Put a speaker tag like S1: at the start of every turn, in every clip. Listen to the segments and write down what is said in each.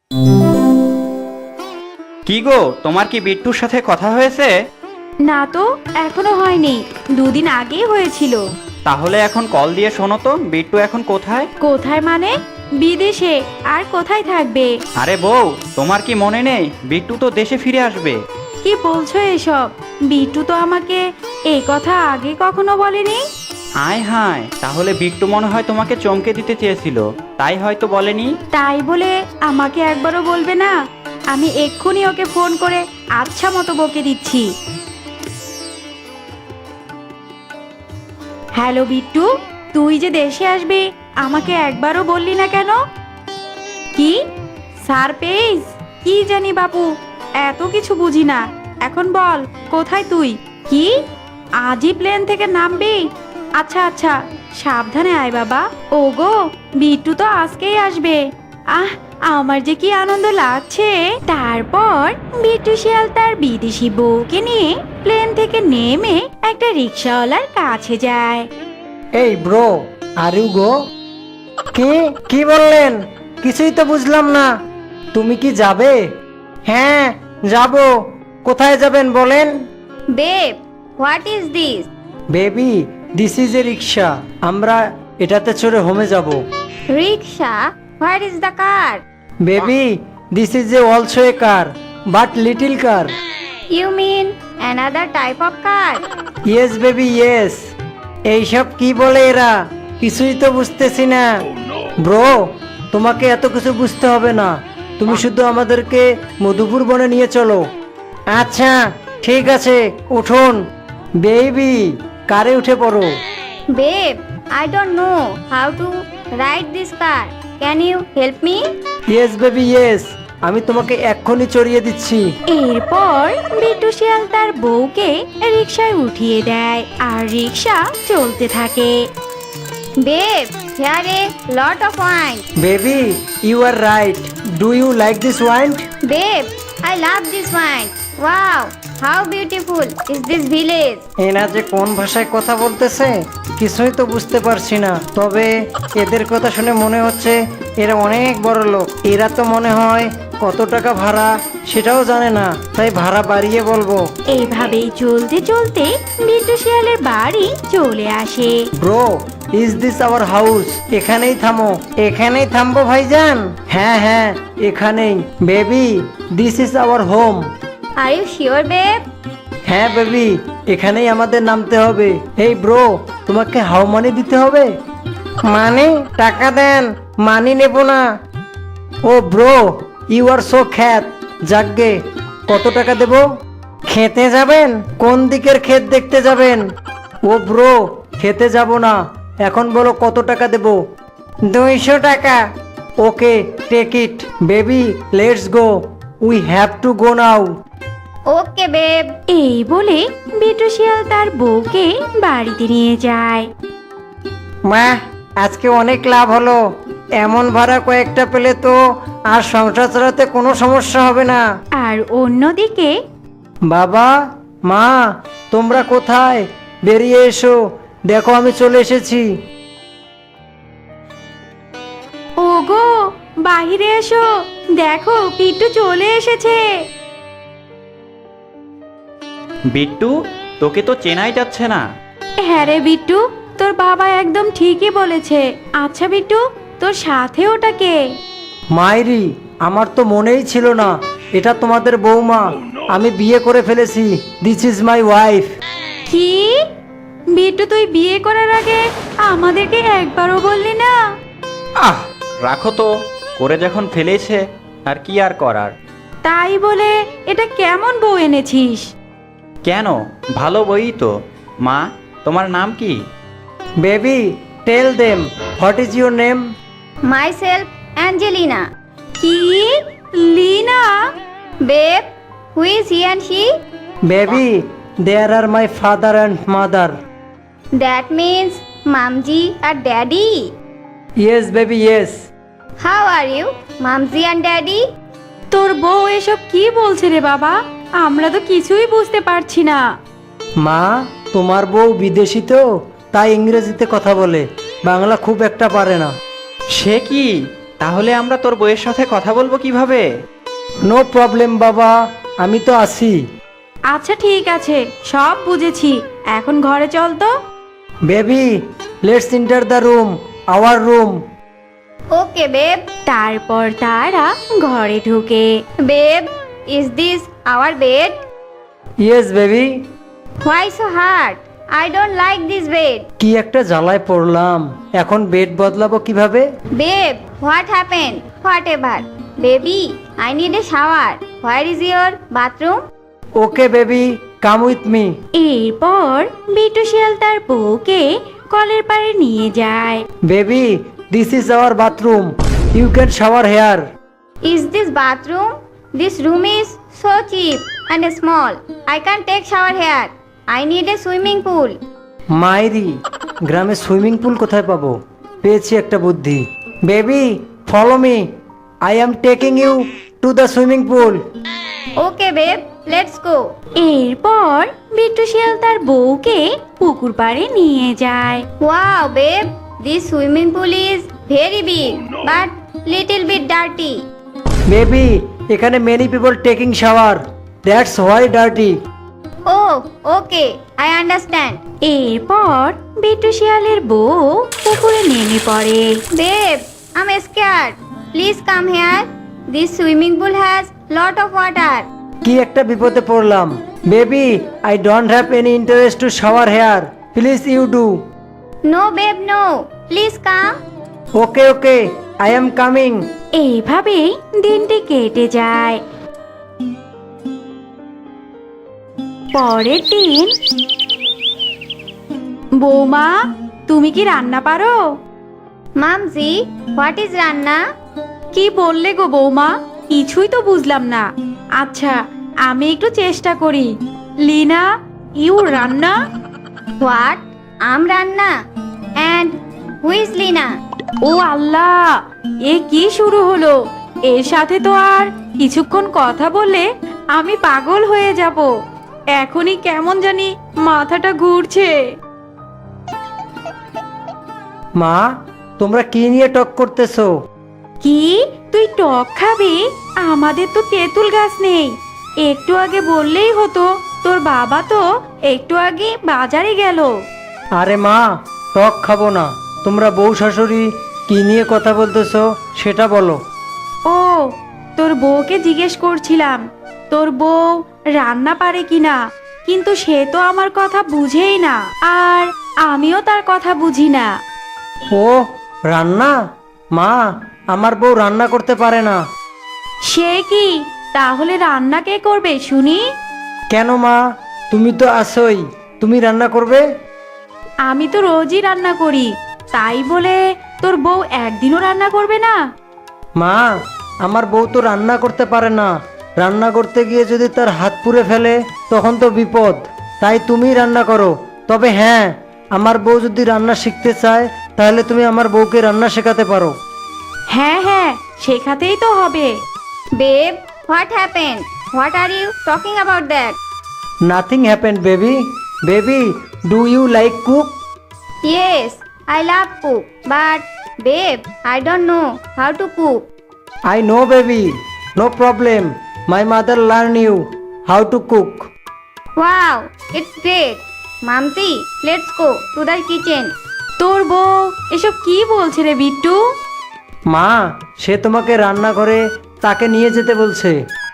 S1: কি গো, তোমার কি বিট্টুর সাথে কথা হয়েছে?
S2: না তো, এখনো হয়নি। দুদিন আগেই হয়েছিল।
S1: তাহলে এখন কল দিয়ে শোনো তো, বিট্টু এখন কোথায়?
S2: কোথায় মানে? বিদেশে। আর কোথায় থাকবে?
S1: আরে বউ, তোমার কি মনে নেই বিট্টু তো দেশে ফিরে আসবে?
S2: কি বলছো এসব? বিট্টু তো আমাকে এই কথা আগে কখনো বলেনি।
S1: আয় হায়, তাহলে বিট্টু মনে হয় তোমাকে চমকে দিতে চেয়েছিল, তাই হয়তো বলেনি।
S2: তাই বলে আমাকে একবারও বলবে না? আমি এক্ষুনি ওকে ফোন করে আচ্ছা মতো বকে দিচ্ছি। হ্যালো বিট্টু, তুই যে দেশে আসবি আমাকে একবারও বললি না কেন? কি সারপ্রাইজ? কি জানি বাপু, এত কিছু বুঝি না। এখন বল, কোথায় তুই? কি আজই প্লেন থেকে নামবি? আচ্ছা আচ্ছা, সাবধানে আয় বাবা। ওগো, বিট্টু তো আজকেই আসবে। আহ, আমার যে কি আনন্দ লাগছে। তারপর বিট্টু শিয়াল তার বিদেশি বউকে নিয়ে প্লেন থেকে নেমে একটা রিক্সাওয়ালার কাছে যায়।
S3: এই ব্রো, আর ইউ গো? কি বললেন? কিছুই তো বুঝলাম না। তুমি কি যাবে? হ্যাঁ, যাব। কোথায় যাবেন বলেন?
S4: Babe, what is this?
S3: Baby, this is a rickshaw. আমরা এটাতে চড়ে হোমে যাব।
S4: Rickshaw? Where is the car?
S3: Baby, this is a also a car, but little car.
S4: You mean another type of car?
S3: Yes baby, yes. এইসব কি বলে এরা? কিছুই তো বুঝতেছি না। ব্রো, তোমাকে এত কিছু বুঝতে হবে না। তুমি শুধু আমাদেরকে মধুপুর বনে নিয়ে চলো। আচ্ছা ঠিক আছে, উঠুন। বেবি, কারে উঠে পড়ো।
S4: Babe, I don't know how to ride this car. Can you help me?
S3: Yes baby, yes. আমি তোমাকে এক্ষুনি চড়িয়ে দিচ্ছি।
S2: এরপর বিট্টু শিয়াল তার বউকে রিকশায় উঠিয়ে দেয় আর রিকশা চলতে থাকে।
S4: Babe, here a lot of wine.
S3: Baby, you are right. Do you like this wine?
S4: Babe, I love this wine. Wow, how beautiful is this village?
S3: এরা যে কোন ভাষায় কথা বলতেছে কিছুই তো বুঝতে পারছি না। তবে এদের কথা শুনে মনে হচ্ছে এরা অনেক বড় লোক। এরা তো মনে হয় কত টাকা ভাড়া সেটাও জানে না, তাই ভাড়া বাড়িয়ে বলবো।
S2: এইভাবেই চলতে চলতে বিট্টু শিয়ালের বাড়ি চলে আসে।
S3: Bro, is this our house? এখানেই থামো। এখানেই থামবো ভাইজান? হ্যাঁ হ্যাঁ, এখানেই। Baby, this is our home.
S4: Are you sure, babe?
S3: হ্যাঁ বেবি, এখানেই আমাদের নামতে হবে। এই ব্রো, তোমাকে হাউ মানি দিতে হবে। মানে? টাকা দেন, মানি নেব না। ও ব্রো, ইউ আর সো খ্যাত। যাকগে, কত টাকা দেব? খেতে যাবেন? কোন দিকের ক্ষেত দেখতে যাবেন? ও ব্রো, খেতে যাব না। এখন বলো কত টাকা দেব? 200 টাকা। Okay, take it. Baby, let's go. We have to go now.
S4: Okay, babe.
S2: এই বলে বিট্টু শিয়াল তার বউকে বাড়িতে নিয়ে যায়।
S3: মা, আজকে অনেক লাভ হলো। এমন ভাড়া কয়েকটা পেলে তো আর সংসার চালাতে কোনো সমস্যা হবে না।
S2: আর অন্যদিকে
S3: বাবা, মা, তোমরা কোথায়? বেরিয়ে এসো, দেখো আমি চলে এসেছি।
S2: ওগো, বাহিরে এসো, দেখো বিট্টু চলে এসেছে।
S1: বিট্টু, তোকে তো চেনাই যাচ্ছে না।
S2: হ্যাঁ রে বিট্টু, তোর বাবা একদম ঠিকই বলেছে। আচ্ছা বিট্টু, তোর সাথে ওটা কে?
S3: মাইরি, আমার তো মনেই ছিল না এটা তোমাদের বৌমা। আমি বিয়ে করে ফেলেছি। This is my wife.
S2: কি বিট্টু, তুই বিয়ে করার আগে আমাদেরকে একবারও বললি না?
S1: আহ, রাখো তো, করে যখন ফেলেছে আর কি আর করার।
S2: তাই বলে এটা কেমন বউ এনেছিস?
S1: কেন, ভালো বই তো। মা, তোমার নাম কি?
S3: Baby, tell them, what is your name?
S4: Myself, Angelina.
S2: কি Lina?
S4: Babe, who is he and she?
S3: Baby, there are my father and mother.
S4: That means Mamji and Daddy.
S3: Yes baby, yes.
S4: How are you, Mamji and Daddy?
S2: তোর বউ এসব কি বলছে রে বাবা? আমরা তো কিছুই বুঝতে পারছি না।
S3: মা, তোমার বউ বিদেশি তো, তাই ইংরেজিতে কথা বলে, বাংলা খুব একটা পারে না।
S1: সে কি? তাহলে আমরা তোর বউয়ের সাথে কথা বলবো কিভাবে?
S3: নো প্রবলেম বাবা, আমি তো আছি।
S2: আচ্ছা ঠিক আছে, সব বুঝেছি, এখন ঘরে চল তো।
S3: Baby, let's enter the room, our room.
S4: Okay, babe.
S2: তারপর তারা ঘরে ঢুকে।
S4: Babe, is this our bed?
S3: Yes baby.
S4: Why so hard? I don't like this bed.
S3: কি একটা জ্বালায় পড়লাম, এখন বেড বদলাবো কিভাবে?
S4: Babe, what happened? Whatever. Baby, I need a shower. Where is your bathroom?
S3: Okay baby, come with me.
S2: এরপর বিট্টু শিয়াল তার বউকে কলের পাড়ে নিয়ে যায়।
S3: Baby, this is our bathroom, you can shower here.
S4: Is this bathroom? This room is so cheap and small. I can't take shower here. I need a swimming pool.
S3: মাইরি, গ্রামে সুইমিং পুল কোথায় পাবো? পেয়েছি একটা বুদ্ধি। Baby, follow me, I am taking you to the swimming pool.
S4: Okay, babe, let's go.
S2: এরপর বিট্টু শিয়াল তার বউকে পুকুর পাড়ে নিয়ে যায়।
S4: Wow, babe, this swimming pool is very big but little bit dirty.
S3: Baby, এখানে many people taking shower, that's why dirty.
S4: Oh, okay, I understand.
S2: এরপর বিট্টু শিয়ালের বউ পুকুরে নেমে পড়ে।
S4: Babe, I'm scared. Please come here. This swimming pool has lot of water.
S3: কি একটা বিপদে পড়লাম। Baby, I don't have any interest to shower here, please you do.
S4: No, babe, no. Please come.
S3: Okay okay, I am coming.
S2: এইভাবেই দিনটি কেটে যায়। পরের দিন। বৌমা, তুমি কি রান্না পারো?
S4: Mamji, what is Ranna?
S2: কি বললে গো বৌমা, কিছুই তো বুঝলাম না। আচ্ছা, আমি একটু চেষ্টা করি। লিনা, ইউ রান্না?
S4: What? I'm Ranna. And who is Lina?
S2: ও আল্লাহ, এ কি শুরু হলো? এর সাথে তো আর কিছুক্ষণ কথা বললে আমি পাগল হয়ে যাব। এখনই কেমন জানি মাথাটা ঘুরছে।
S3: মা, তোমরা কি নিয়ে টক করতেছো?
S2: কি, তুই টক খাবি? আমাদের তো তেঁতুল গাছ নেই। একটু আগে বললেই হতো, তোর বাবা তো একটু আগে বাজারে গেল।
S3: আরে মা, টক খাবো না। তোমরা বউ শাশুড়ি কি নিয়ে কথা বলতেছো সেটা বলো।
S2: ও, তোর বউকে জিজ্ঞেস করছিলাম তোর বউ রান্না পারে কিনা, কিন্তু সে তো আমার কথা বুঝেই না, আর আমিও তার কথা বুঝি না।
S3: ও রান্না? মা, আমার বউ রান্না করতে পারে না।
S2: সে কি? তাহলে রান্না কে করবে শুনি?
S3: কেন মা, তুমি তো আসোই, তুমি রান্না করবে?
S2: আমি তো রোজই রান্না করি, তাই বলে তোর বউ একদিনও রান্না করবে না?
S3: মা, আমার বউ তো রান্না করতে পারে না। রান্না করতে গিয়ে যদি তার হাত পুড়ে ফেলে তখন তো বিপদ। তাই তুমি রান্না করো। তবে হ্যাঁ, আমার বউ যদি রান্না শিখতে চায় তাহলে তুমি আমার বউকে রান্না শেখাতে পারো।
S2: হ্যাঁ হ্যাঁ, শেখাতেই তো হবে।
S4: Babe, what happened? What are you talking about that?
S3: Nothing happened baby. Baby, do you like cook?
S4: Yes, I love cook, but babe, I don't know how to cook.
S3: I know baby, no problem, my mother learn you how to cook.
S4: Wow, it's great. Mamji, let's go to the kitchen.
S2: তোর বউ এসব কি বলছে রে বিট্টু?
S3: মা, সে তোমাকে রান্না করে তাকে নিয়ে যেতে বলছে।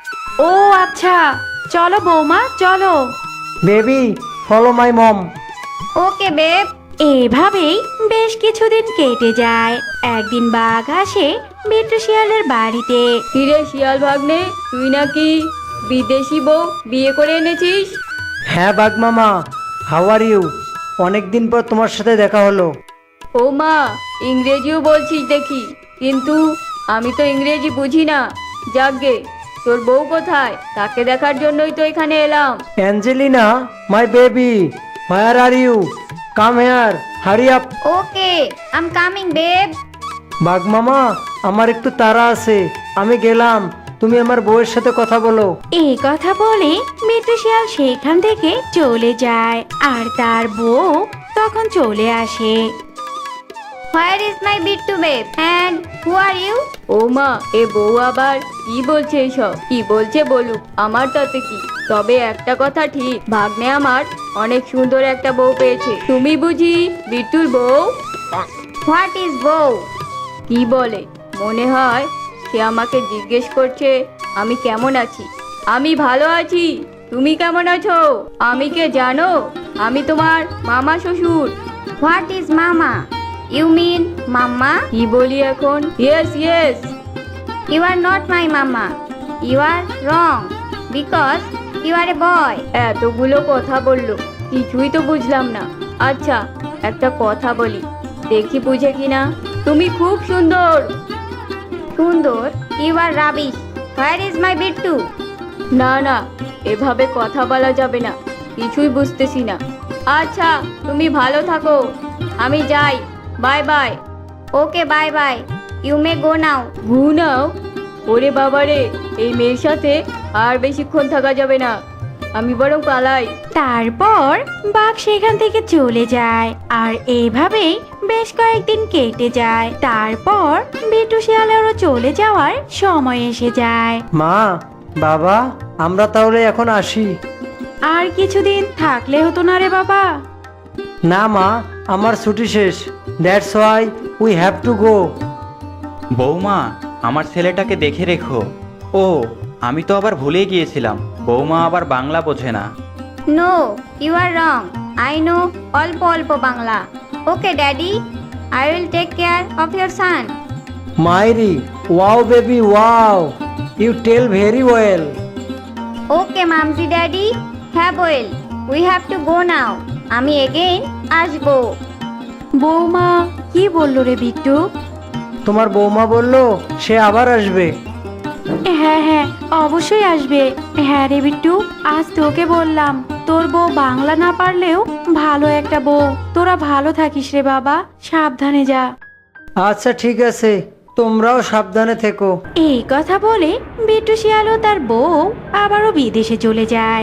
S2: ও আচ্ছা, চলো বৌমা চলো।
S3: Baby, follow my mom.
S4: Okay, babe.
S2: এভাবেই বেশ কিছুদিন কেটে যায়। একদিন বাঘ আসে বিট্টু শিয়ালের বাড়িতে।
S5: হিরে শিয়াল ভাগ্নে, তুই নাকি বিদেশি বউ বিয়ে করে এনেছিস?
S3: হ্যাঁ বাঘ মামা, হাউ আর ইউ? অনেকদিন পর তোমার সাথে দেখা হলো।
S5: ও মা, ইংরেজিও বলছিস দেখি, কিন্তু আমি তো ইংরেজি বুঝি না। যাকগে, তোর বউ কোথায়? তাকে দেখার জন্যই তো এখানে এলাম।
S3: Angelina, my baby, where are you? Come here, hurry up.
S4: Okay, I'm coming, babe.
S3: বাঘ মামা, আমার একটু তাড়া আছে, আমি গেলাম। তুমি আমার বউয়ের সাথে কথা বলো।
S2: এই কথা বলে বিট্টু শিয়াল সেখান থেকে চলে যায়, আর তার বউ তখন চলে আসে।
S4: Where is my bittu babe? And who are you?
S5: ও মা, এ বউ আবার কি বলছে এসব? কি বলছে বলুক, আমার তাতে কি। তবে একটা কথা ঠিক, ভাগ্নে আমার অনেক সুন্দর একটা বউ পেয়েছে। তুমি বুঝি বিট্টুর বউ?
S4: What is bow?
S5: কি বলে? মনে হয় সে আমাকে জিজ্ঞেস করছে আমি কেমন আছি। আমি ভালো আছি, তুমি কেমন আছো? আমি কে জানো? আমি তোমার মামা শ্বশুর।
S4: What is mama? You mean mama?
S5: কি বলি এখন? Yes yes.
S4: You are not my mama. You are wrong because you are a boy.
S5: এতগুলো কথা বললো, কিছুই তো বুঝলাম না। আচ্ছা, একটা কথা বলি, দেখি বুঝে কিনা। তুমি খুব সুন্দর।
S4: Sundor, you are rubbish. Where is my bittu?
S5: না না, এভাবে কথা বলা যাবে না, কিছুই বুঝতেছি না। আচ্ছা, তুমি ভালো থাকো, আমি যাই। Bye bye.
S4: Okay, bye bye. You may go now.
S5: ঘুনাও? ওরে বাবারে, এই মেয়ের সাথে আর বেশিক্ষণ থাকা যাবে না, আমি বরং পালাই।
S2: তারপর বাঘ সেখান থেকে চলে যায় আর এইভাবেই বেশ কয়েকদিন কেটে যায়। তারপর বিট্টু শিয়ালেরও চলে যাওয়ার সময় এসে যায়।
S3: মা, বাবা, আমরা তাহলে এখন আসি।
S2: আর কিছুদিন থাকলে হতো না রে বাবা?
S3: না মা, আমার ছুটি শেষ। That's why we have to go.
S1: বৌমা, আমার ছেলেটাকে দেখে রেখো। ও, আমি তো আবার ভুলে গিয়েছিলাম, বৌমা আবার বাংলা বোঝে না।
S4: No, you are wrong. I know Olpo Olpo Bangla. Okay, daddy. I will take care of your son.
S3: মাইরি, wow baby wow, you tell very well.
S4: Okay, Mamsi daddy. Have well. We have to go now. আমি again আসবো।
S2: বৌমা কি বললো রে বিট্টু?
S3: তোমার বৌমা বলল সে আবার আসবে।
S2: হ্যাঁ হ্যাঁ, অবশ্যই আসবে। হ্যাঁ রে বিট্টু, আজ তোকে বললাম তোর বউ বাংলা না পারলেও ভালো একটা বউ। তোরা ভালো থাকিস রে বাবা, সাবধানে যা।
S3: আচ্ছা ঠিক আছে, তোমরাও সাবধানে থেকো।
S2: এই কথা বলে বিট্টু শিয়াল ও তার বউ আবারও বিদেশে চলে যায়।